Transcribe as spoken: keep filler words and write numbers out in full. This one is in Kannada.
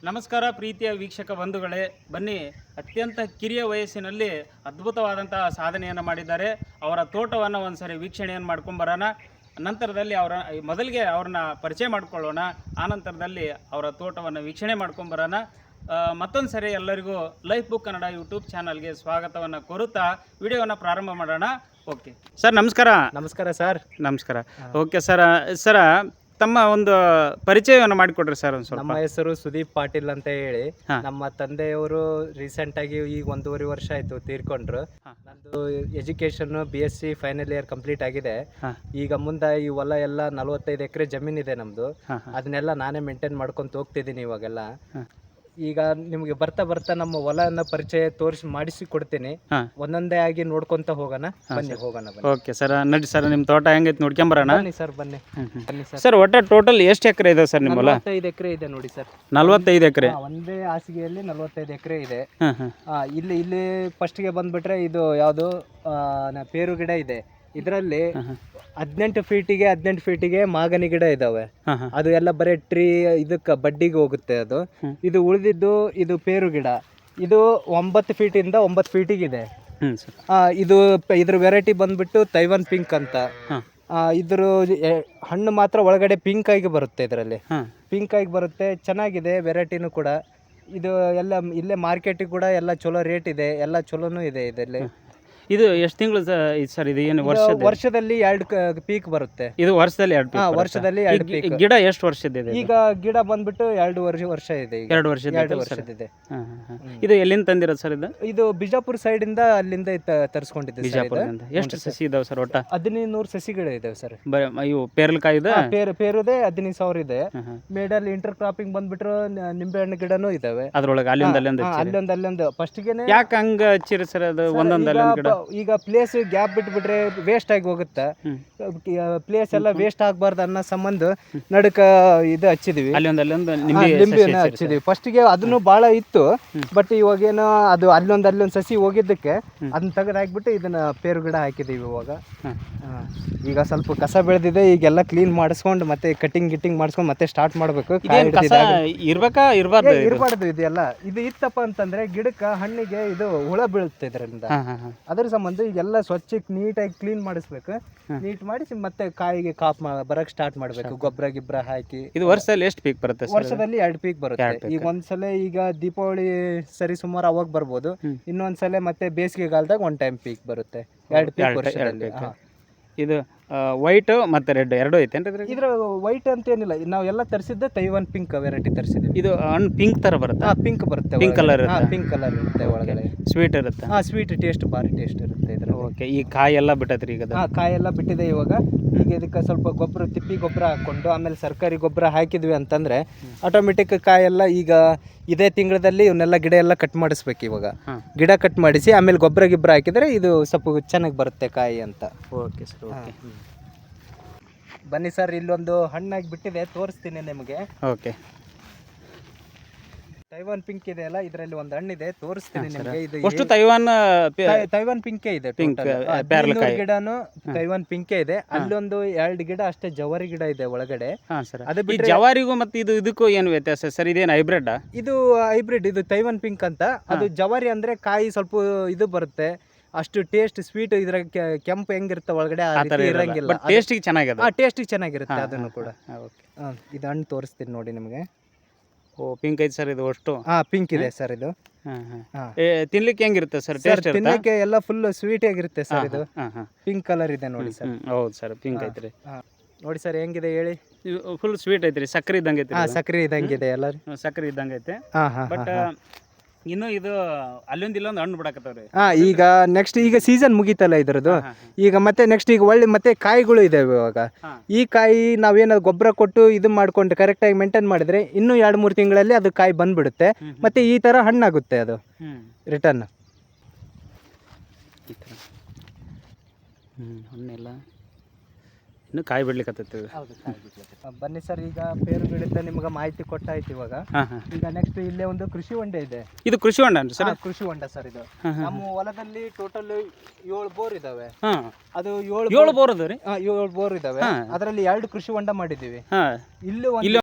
ನಮಸ್ಕಾರ ಪ್ರೀತಿಯ ವೀಕ್ಷಕ ಬಂಧುಗಳೇ, ಬನ್ನಿ ಅತ್ಯಂತ ಕಿರಿಯ ವಯಸ್ಸಿನಲ್ಲಿ ಅದ್ಭುತವಾದಂತಹ ಸಾಧನೆಯನ್ನು ಮಾಡಿದ್ದಾರೆ. ಅವರ ತೋಟವನ್ನು ಒಂದ್ಸರಿ ವೀಕ್ಷಣೆಯನ್ನು ಮಾಡ್ಕೊಂಬರೋಣ. ನಂತರದಲ್ಲಿ ಅವರ ಮೊದಲಿಗೆ ಅವ್ರನ್ನ ಪರಿಚಯ ಮಾಡ್ಕೊಳ್ಳೋಣ. ಆನಂತರದಲ್ಲಿ ಅವರ ತೋಟವನ್ನು ವೀಕ್ಷಣೆ ಮಾಡ್ಕೊಂಬರೋಣ. ಮತ್ತೊಂದು ಸರಿ ಎಲ್ಲರಿಗೂ ಲೈಫ್ ಬುಕ್ ಕನ್ನಡ ಯೂಟ್ಯೂಬ್ ಚಾನಲ್ಗೆ ಸ್ವಾಗತವನ್ನು ಕೋರುತ್ತಾ ವಿಡಿಯೋವನ್ನು ಪ್ರಾರಂಭ ಮಾಡೋಣ. ಓಕೆ ಸರ್, ನಮಸ್ಕಾರ. ನಮಸ್ಕಾರ ಸರ್. ನಮಸ್ಕಾರ. ಓಕೆ ಸರ್, ಸರ ತಮ್ಮ ಒಂದು ಪರಿಚಯವನ್ನು ಮಾಡಿಕೊಡ್ರಿ ಸರ್ ಒಂದು ಸ್ವಲ್ಪ. ನಮ್ಮ ಹೆಸರು ಸುದೀಪ್ ಪಾಟೀಲ್ ಅಂತ ಹೇಳಿ. ನಮ್ಮ ತಂದೆಯವರು ರೀಸೆಂಟ್ ಆಗಿ ಈಗ ಒಂದೂವರೆ ವರ್ಷ ಆಯ್ತು ತೀರ್ಕೊಂಡ್ರು. ನಂದು education B S C final year complete ಆಗಿದೆ. ಈಗ ಮುಂದೆ ಈ ಹೊಲ ಎಲ್ಲ ನಲವತ್ತೈದು ಎಕರೆ ಜಮೀನಿದೆ ನಮ್ದು. ಅದನ್ನೆಲ್ಲ ನಾನೇ ಮೇಂಟೈನ್ ಮಾಡ್ಕೊಂತ ಹೋಗ್ತಿದ್ದೀನಿ ಇವಾಗೆಲ್ಲ. ಈಗ ನಿಮ್ಗೆ ಬರ್ತಾ ಬರ್ತಾ ನಮ್ಮ ಹೊಲನ ಪರಿಚಯ ತೋರಿಸಿ ಮಾಡಿಸಿ ಕೊಡ್ತೀನಿ. ಒಂದೊಂದೇ ಆಗಿ ನೋಡ್ಕೊಂತ ಹೋಗೋಣ. ಬನ್ನಿ ಹೋಗೋಣ. ಓಕೆ ಸರ್, ನಡಿ ಸರ್, ನಿಮ್ಮ ತೋಟ ಹೆಂಗೈತೆ ನೋಡ್ಕೊಂಬರೋಣ. ಬನ್ನಿ ಸರ್, ಬನ್ನಿ ಬನ್ನಿ ಸರ್. ಸರ್, ಒಟ್ಟು ಟೋಟಲ್ ಎಷ್ಟು ಎಕರೆ ಇದೆ ಸರ್ ನಿಮ್ಮ ಹೊಲ? ನಲವತ್ತೈದು ಎಕರೆ ಇದೆ ನೋಡಿ ಸರ್. ನಲವತ್ತೈದು ಎಕರೆ ಒಂದೇ ಹಾಸಿಗೆಯಲ್ಲಿ ನಲವತ್ತೈದು ಎಕರೆ ಇದೆ. ಇಲ್ಲಿ ಇಲ್ಲಿ ಫಸ್ಟ್ಗೆ ಬಂದ್ಬಿಟ್ರೆ ಇದು ಯಾವುದು ಪೇರು ಗಿಡ ಇದೆ. ಇದರಲ್ಲಿ ಹದಿನೆಂಟು ಫೀಟಿಗೆ ಹದಿನೆಂಟು ಫೀಟಿಗೆ ಮಾಗನಿ ಗಿಡ ಇದಾವೆ. ಅದು ಎಲ್ಲ ಬರೀ ಟ್ರೀ ಇದಕ್ಕೆ ಬಡ್ಡಿಗೆ ಹೋಗುತ್ತೆ ಅದು. ಇದು ಉಳಿದಿದ್ದು ಇದು ಪೇರು ಗಿಡ. ಇದು ಒಂಬತ್ತು ಫೀಟಿಂದ ಒಂಬತ್ತು ಫೀಟಿಗಿದೆ. ಇದು ಇದ್ರ ವೆರೈಟಿ ಬಂದ್ಬಿಟ್ಟು ತೈವಾನ್ ಪಿಂಕ್ ಅಂತ. ಇದ್ರ ಹಣ್ಣು ಮಾತ್ರ ಒಳಗಡೆ ಪಿಂಕ್ ಆಗಿ ಬರುತ್ತೆ. ಇದರಲ್ಲಿ ಪಿಂಕ್ ಆಗಿ ಬರುತ್ತೆ. ಚೆನ್ನಾಗಿದೆ ವೆರೈಟಿನೂ ಕೂಡ. ಇದು ಎಲ್ಲ ಇಲ್ಲೇ ಮಾರ್ಕೆಟಿಗೆ ಕೂಡ ಎಲ್ಲ ಚಲೋ ರೇಟ್ ಇದೆ. ಎಲ್ಲ ಚಲೋನೂ ಇದೆ ಇದರಲ್ಲಿ. ಇದು ಎಷ್ಟು ತಿಂಗಳು ಸರ್? ಇದು ಏನು ವರ್ಷ? ವರ್ಷದಲ್ಲಿ ಎರಡು ಪೀಕ್ ಬರುತ್ತೆ. ಇದು ವರ್ಷದಲ್ಲಿ ಎರಡು ಪೀಕ್. ವರ್ಷದಲ್ಲಿ ಎರಡು ಪೀಕ್. ಗಿಡ ಎಷ್ಟು ವರ್ಷದಿದೆ? ಈಗ ಗಿಡ ಬಂದ್ಬಿಟ್ಟು ಎರಡು ವರ್ಷ ವರ್ಷ ಇದೆ. ಎರಡು ವರ್ಷ ಎರಡು ವರ್ಷದಿದೆ. ಇದು ಎಲ್ಲಿಂದ ತಂದಿರೋದು ಸರ್? ಇದು ಇದು ಬಿಜಾಪುರ ಸೈಡ್ ಇಂದ ಅಲ್ಲಿಂದ ತರಿಸ್ಕೊಂಡಿದ್ದೆ. ಬಿಜಾಪುರದಿಂದ. ಎಷ್ಟು ಸಸಿ ಇದಾವೆ ಸರ್ ಒಟ್ಟ? ಹದಿನೈದು ನೂರು ಸಸಿಗಳು ಇದಾವೆ ಸರ್. ಇವು ಪೇರಲಕಾಯಿ ಇದೆ. ಪೇರು ಪೇರುದೆ ಹದಿನೈದು ಸಾವಿರ ಇದೆ. ಮೇಡಲ್ಲಿ ಇಂಟರ್ ಕ್ರಾಪಿಂಗ್ ಬಂದ್ಬಿಟ್ರೆ ನಿಂಬೆ ಹಣ್ಣು ಗಿಡನೂ ಇದಾವೆ ಅದ್ರೊಳಗೆ. ಅಲ್ಲಿಂದ ಅಲ್ಲೊಂದು ಅಲ್ಲೊಂದು ಅಲ್ಲೊಂದು ಫಸ್ಟ್ಗೆನೆ. ಯಾಕೆ ಹಂಗ ಹಚ್ಚಿರಿ ಸರ್? ಅದು ಒಂದೊಂದು ಅಲ್ಲೊಂದು ಗಿಡ. ಈಗ ಪ್ಲೇಸ್ ಗ್ಯಾಪ್ ಬಿಟ್ಬಿಟ್ರೆ ವೇಸ್ಟ್ ಆಗಿ ಹೋಗುತ್ತೆ. ಪ್ಲೇಸ್ ಎಲ್ಲ ವೇಸ್ಟ್ ಆಗಬಾರ್ದು ಅನ್ನೋ ಸಂಬಂಧ ನಡುಕ ಇದು ಹಚ್ಚಿದ್ವಿ. ಅಲ್ಲೊಂದು ಅಲ್ಲೊಂದು ನಿಂಬೆನ ಹಚ್ಚಿದ್ವಿ. ಫಸ್ಟ್ಗೆ ಅದನ್ನು ಬಹಳ ಇತ್ತು. ಬಟ್ ಇವಾಗೇನು ಅದು ಅಲ್ಲೊಂದು ಅಲ್ಲೊಂದು ಸಸಿ ಹೋಗಿದ್ದಕ್ಕೆ ಅದನ್ನ ತೆಗೆದು ಹಾಕ್ಬಿಟ್ಟು ಇದನ್ನ ಪೇರು ಗಿಡ ಹಾಕಿದೀವಿ ಇವಾಗ. ಈಗ ಸ್ವಲ್ಪ ಕಸ ಬೆಳೆದಿದೆ. ಈಗೆಲ್ಲ ಕ್ಲೀನ್ ಮಾಡಿಸ್ಕೊಂಡು ಮತ್ತೆ ಕಟಿಂಗ್ ಗಿಟ್ಟಿಂಗ್ ಮಾಡಿಸ್ಕೊಂಡು ಮತ್ತೆ ಸ್ಟಾರ್ಟ್ ಮಾಡ್ಬೇಕು. ಇರ್ಬೇಕಾ ಇರಬಾರ್ದು? ಇರಬಾರ್ದು. ಇದೆಲ್ಲ ಇದು ಇತ್ತಪ್ಪ ಅಂತಂದ್ರೆ ಗಿಡಕ್ಕೆ ಹಣ್ಣಿಗೆ ಇದು ಹುಳ ಬೀಳುತ್ತೆ ಇದರಿಂದ. ಅದ್ರ ಸಂಬಂಧ ಈಗೆಲ್ಲ ಸ್ವಚ್ಛ ನೀಟಾಗಿ ಕ್ಲೀನ್ ಮಾಡಿಸ್ಬೇಕು. ನೀಟ್ ಮಾಡಿಸಿ ಮತ್ತೆ ಕಾಯಿಗೆ ಕಾಪ್ ಬರಕ್ ಸ್ಟಾರ್ಟ್ ಮಾಡ್ಬೇಕು. ಗೊಬ್ಬರ ಗಿಬ್ಬರ ಹಾಕಿ. ಇದು ವರ್ಷದಲ್ಲಿ ಎಷ್ಟು ಪೀಕ್ ಬರುತ್ತೆ? ವರ್ಷದಲ್ಲಿ ಎರಡು ಪೀಕ್ ಬರುತ್ತೆ. ಈಗ ಒಂದ್ಸಲ ಈಗ ದೀಪಾವಳಿ ಸರಿ ಸುಮಾರು ಅವಾಗ ಬರ್ಬೋದು. ಇನ್ನೊಂದ್ಸಲ ಮತ್ತೆ ಬೇಸಿಗೆಗಾಲದಾಗ ಒನ್ ಟೈಮ್ ಪೀಕ್ ಬರುತ್ತೆ. ಎರಡು ಪೀಕ್ ವರ್ಷದಲ್ಲಿ. ಇದು ವೈಟ್ ಮತ್ತೆ ರೆಡ್ ಎರಡು ಐತೇನ್ರಿ? ಇದ್ರ ವೈಟ್ ಅಂತ ಏನಿಲ್ಲ. ನಾವು ಎಲ್ಲ ತರಿಸಿದ್ದೆ ತೈವಾನ್ ಪಿಂಕ್ ವೆರೈಟಿ ತರಿಸಿದ್ವಿ. ಇದು ಹಣ್ಣು ಪಿಂಕ್ ತರ ಬರುತ್ತೆ. ಹಾ, ಪಿಂಕ್ ಬರುತ್ತೆ. Pink colour. ಪಿಂಕ್ ಕಲರ್ ಇರುತ್ತೆ ಒಳಗಡೆ. ಸ್ವೀಟ್ ಇರುತ್ತೆ. ಹಾ, ಸ್ವೀಟ್ ಟೇಸ್ಟ್ ಭಾರಿ ಟೇಸ್ಟ್ ಇರುತ್ತೆ ಇದ್ರ. ಓಕೆ. ಈ ಕಾಯಿ ಎಲ್ಲ ಬಿಟ್ಟತ್ರಿ ಈಗ? ಹಾ, ಕಾಯಿ ಎಲ್ಲ ಬಿಟ್ಟಿದೆ ಇವಾಗ. ಈಗ ಇದಕ್ಕೆ ಸ್ವಲ್ಪ ಗೊಬ್ಬರ, ತಿಪ್ಪಿ ಗೊಬ್ಬರ ಹಾಕೊಂಡು ಆಮೇಲೆ ಸರ್ಕಾರಿ ಗೊಬ್ಬರ ಹಾಕಿದ್ವಿ ಅಂತಂದ್ರೆ ಆಟೋಮೆಟಿಕ್ ಕಾಯೆಲ್ಲ ಈಗ ಇದೇ ತಿಂಗಳಲ್ಲಿ ಇವನ್ನೆಲ್ಲ ಗಿಡ ಎಲ್ಲ ಕಟ್ ಮಾಡಿಸ್ಬೇಕು. ಇವಾಗ ಗಿಡ ಕಟ್ ಮಾಡಿಸಿ ಆಮೇಲೆ ಗೊಬ್ಬರ ಗಿಬ್ಬರ ಹಾಕಿದ್ರೆ ಇದು ಸ್ವಲ್ಪ ಚೆನ್ನಾಗಿ ಬರುತ್ತೆ ಕಾಯಿ ಅಂತ. Okay sir. ಓಕೆ, ಬನ್ನಿ ಸರ್. ಇಲ್ಲೊಂದು ಹಣ್ಣಾಗಿ ಬಿಟ್ಟಿದೆ, ತೋರಿಸ್ತೀನಿ ನಿಮಗೆ. ಓಕೆ. ತೈವಾನ್ ಪಿಂಕ್ ಇದೆ ಅಲ್ಲ, ಇದರಲ್ಲಿ ಒಂದು ಹಣ್ಣಿದೆ, ತೋರಿಸ್ತೀನಿ ನಿಮಗೆ. ಇದು ಅಷ್ಟು ತೈವಾನ್ ತೈವಾನ್ ಪಿಂಕೇ ಇದೆ. ಪಿಂಕ್ ಗಿಡನು ತೈವಾನ್ ಪಿಂಕೇ ಇದೆ. ಅಲ್ಲೊಂದು ಎರಡು ಗಿಡ ಅಷ್ಟೇ ಜವಾರಿ ಗಿಡ ಇದೆ ಒಳಗಡೆ. ಅದು ಬಿಟ್ಟು ಜವಾರಿಗೂ ಮತ್ತೆ ಇದು ಇದಕ್ಕೂ ಏನು ವ್ಯತ್ಯಾಸ ಸರ್? ಇದೇನು ಹೈಬ್ರಿಡ್? ಇದು ಹೈಬ್ರಿಡ್. ಇದು ತೈವಾನ್ ಪಿಂಕ್ ಅಂತ. ಅದು ಜವಾರಿ ಅಂದ್ರೆ ಕಾಯಿ ಸ್ವಲ್ಪ ಇದು ಬರುತ್ತೆ. ಅಷ್ಟು ಟೇಸ್ಟ್ ಸ್ವೀಟ್ ಇದ್ರ ಕೆಂಪು ಹೆಂಗಿರುತ್ತೆ ಒಳಗಡೆ ಇರಂಗಿಲ್ಲ. ಟೇಸ್ಟಿಗೆ ಚೆನ್ನಾಗಿದೆ. ಟೇಸ್ಟಿಗೆ ಚೆನ್ನಾಗಿರುತ್ತೆ ಅದನ್ನು ಕೂಡ. ಇದು ಹಣ್ಣು ತೋರಿಸ್ತೀನಿ ನೋಡಿ ನಿಮಗೆ. ಓ, ಪಿಂಕ್ ಐತೆ ಸರ್ ಇದು ಅಷ್ಟು? ಹಾ, ಪಿಂಕ್ ಇದೆ ಸರ್ ಇದು. ತಿನ್ಲಿಕ್ಕೆ ಹೆಂಗಿರುತ್ತೆ ಸರ್? ತಿನ್ನಕ್ಕೆ ಎಲ್ಲ ಫುಲ್ ಸ್ವೀಟ್ ಆಗಿರುತ್ತೆ ಸರ್. ಇದು ಪಿಂಕ್ ಕಲರ್ ಇದೆ ನೋಡಿ ಸರ್. ಹೌದು ಸರ್, ಪಿಂಕ್ ಐತ್ರಿ. ನೋಡಿ ಸರ್ ಹೆಂಗಿದೆ ಹೇಳಿ. ಫುಲ್ ಸ್ವೀಟ್ ಐತ್ರಿ. ಸಕ್ಕರೆ ಇದ್ದಂಗೆ ಐತಿ. ಹಾ, ಸಕ್ಕರೆ ಇದ್ದಂಗಿದೆ ಎಲ್ಲ. ಸಕ್ಕರೆ ಇದ್ದಂಗೆ ಐತೆ. ಬಟ್ ಇನ್ನು ಇದು ಅಲ್ಲೊಂದು ಇಲ್ಲೊಂದು ಹಣ್ಣು ಬಿಡಕತ್ತವ್ರಿ. ಹಾ, ಈಗ ನೆಕ್ಸ್ಟ್ ಈಗ ಸೀಸನ್ ಮುಗೀತಲ್ಲ ಇದ್ರದ್ದು. ಈಗ ಮತ್ತೆ ನೆಕ್ಸ್ಟ್ ಈಗ ಒಳ್ಳೆ ಮತ್ತೆ ಕಾಯಿಗಳು ಇದಾವೆ ಇವಾಗ. ಈ ಕಾಯಿ ನಾವೇನಾದ್ರು ಗೊಬ್ಬರ ಕೊಟ್ಟು ಇದು ಮಾಡ್ಕೊಂಡು ಕರೆಕ್ಟಾಗಿ ಮೇಂಟೈನ್ ಮಾಡಿದ್ರೆ ಇನ್ನೂ ಎರಡು ಮೂರು ತಿಂಗಳಲ್ಲಿ ಅದು ಕಾಯಿ ಬಂದ್ಬಿಡುತ್ತೆ. ಮತ್ತೆ ಈ ತರ ಹಣ್ಣಾಗುತ್ತೆ ಅದು ರಿಟರ್ನ್. ಹಣ್ಣೆಲ್ಲ ಇನ್ನು ಕಾಯಿ ಬಿಡ್ಲಿಕ್ಕೆ. ಬನ್ನಿ ಸರ್, ಈಗ ಪೇರು ಗಿಡದ ನಿಮ್ಗೆ ಮಾಹಿತಿ ಕೊಟ್ಟಾಯ್ತು ಇವಾಗ. ಈಗ ನೆಕ್ಸ್ಟ್ ಇಲ್ಲೇ ಒಂದು ಕೃಷಿ ಹೊಂಡ ಇದೆ. ಇದು ಕೃಷಿ ಹೊಂಡ ಸರ್? ಕೃಷಿ ಹೊಂಡ ಸರ್ ಇದು. ನಮ್ಮ ಹೊಲದಲ್ಲಿ ಟೋಟಲ್ ಏಳು ಬೋರ್ ಇದಾವೆ. ಅದು ಏಳು ಬೋರ್ ಅದಾವೆ. ಏಳು ಬೋರ್ ಇದಾವೆ. ಅದರಲ್ಲಿ ಎರಡು ಕೃಷಿ ಹೊಂಡ ಮಾಡಿದೀವಿ. ಇಲ್ಲೂ